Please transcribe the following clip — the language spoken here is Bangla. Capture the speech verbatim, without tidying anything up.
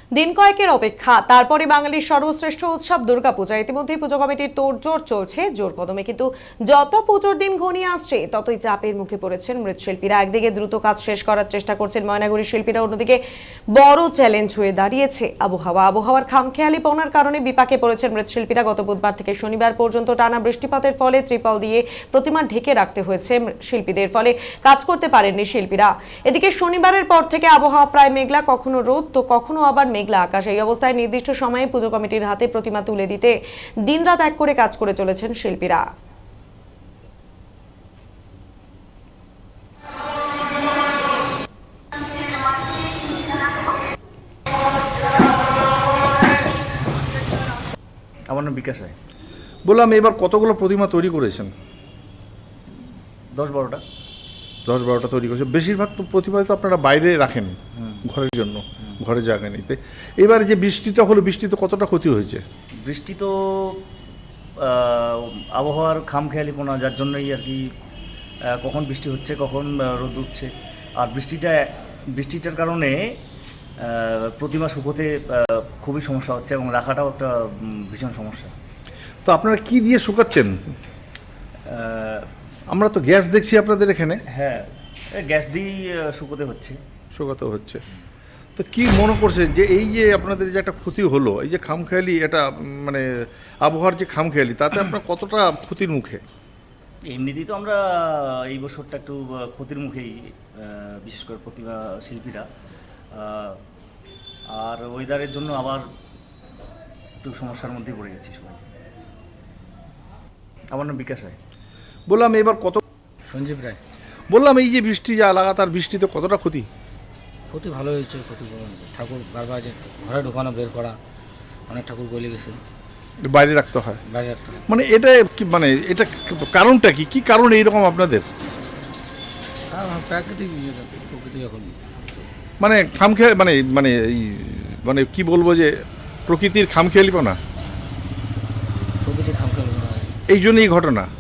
দিন কয়েকের অপেক্ষা, তারপরে বাঙালির সর্বশ্রেষ্ঠ উৎসব দুর্গাপূজা। ইতিমধ্যেই পুজো কমিটির তোড়জোড় চলছে জোর কদমে, কিন্তু যত পুজোর দিন ঘনিয়ে আসছে ততই চাপের মুখে পড়েছেন মৃৎশিল্পীরা। একদিকে দ্রুত কাজ শেষ করার চেষ্টা করছেন ময়নাগুড়ির শিল্পীরা, অন্যদিকে বড় চ্যালেঞ্জ হয়ে দাঁড়িয়েছে আবহাওয়া। আবহাওয়ার খামখেয়ালিপনার কারণে বিপাকে পড়েছেন মৃৎশিল্পীরা। গত বুধবার থেকে শনিবার পর্যন্ত টানা বৃষ্টিপাতের ফলে ত্রিপল দিয়ে প্রতিমা ঢেকে রাখতে হয়েছে শিল্পীদের, ফলে কাজ করতে পারেননি শিল্পীরা। এদিকে শনিবারের পর থেকে আবহাওয়া প্রায় মেঘলা, কখনো রোদ তো কখনো আবার মেঘলা আকাশ। এই অবস্থায় নির্দিষ্ট সময়ে পুজো কমিটির হাতে প্রতিমা তুলে দিতে দিনরাত এক করে কাজ করে চলেছেন শিল্পীরা। আমার নাম বিকাশ রায়। বললাম, এবার কতগুলো প্রতিমা তৈরি করেছেন? দশ বারোটা দশ বারোটা তৈরি করেছেন। বেশিরভাগ তো প্রতিমা তো আপনারা বাইরে রাখেন ঘরের জন্য, ঘরে জায়গা নিতে। এবার যে বৃষ্টিটা হলো, বৃষ্টিতে কতটা ক্ষতি হয়েছে? বৃষ্টি তো আবহাওয়ার খামখেয়ালিপনা, যার জন্যই আর কি কখন বৃষ্টি হচ্ছে কখন রোদ উঠছে। আর বৃষ্টিটা বৃষ্টিটার কারণে প্রতিমা শুকোতে খুবই সমস্যা হচ্ছে এবং রাখাটাও একটা ভীষণ সমস্যা। তো আপনারা কি দিয়ে শুকাচ্ছেন? আমরা তো গ্যাস দেখছি আপনাদের এখানে। হ্যাঁ, গ্যাস দিয়েই শুকোতে হচ্ছে শুকাতে হচ্ছে। তো কি মনে করছেন যে এই যে আপনাদের যে একটা ক্ষতি হলো, এই যে খামখেয়ালি, এটা মানে আবহাওয়ার যে খামখেয়ালি, তাতে আপনার কতটা ক্ষতির মুখে? এমনিতেই তো আমরা এই বছরটা একটু ক্ষতির মুখেই, বিশেষ করে প্রতিমা শিল্পীরা। আর ওয়েদারের জন্য আবার একটু সমস্যার মধ্যে পড়ে গেছি সবাই। আমার নাম বিকাশ রায়। বললাম, এবার কত সঞ্জীব রায়। বললাম, এই যে বৃষ্টি, যা লাগাতার বৃষ্টিতে কতটা ক্ষতি? ক্ষতি ভালো হয়েছে। ক্ষতি ঠাকুর বারবার যে ঘরে ঢোকানো বের করা, অনেক ঠাকুর গলে গেছে, বাইরে রাখতে হয়। বাইরে রাখতে হয়। মানে এটা কি, মানে এটা কারণটা কি? কি কারণ এইরকম আপনাদের? হ্যাঁ, প্রাকৃতিক প্রকৃতি এখন মানে খামখেয়ালি, মানে মানে এই মানে কি বলবো, যে প্রকৃতির খামখেয়ালিপনা, প্রকৃতি খামখেয়াল এই জন্য এই ঘটনা।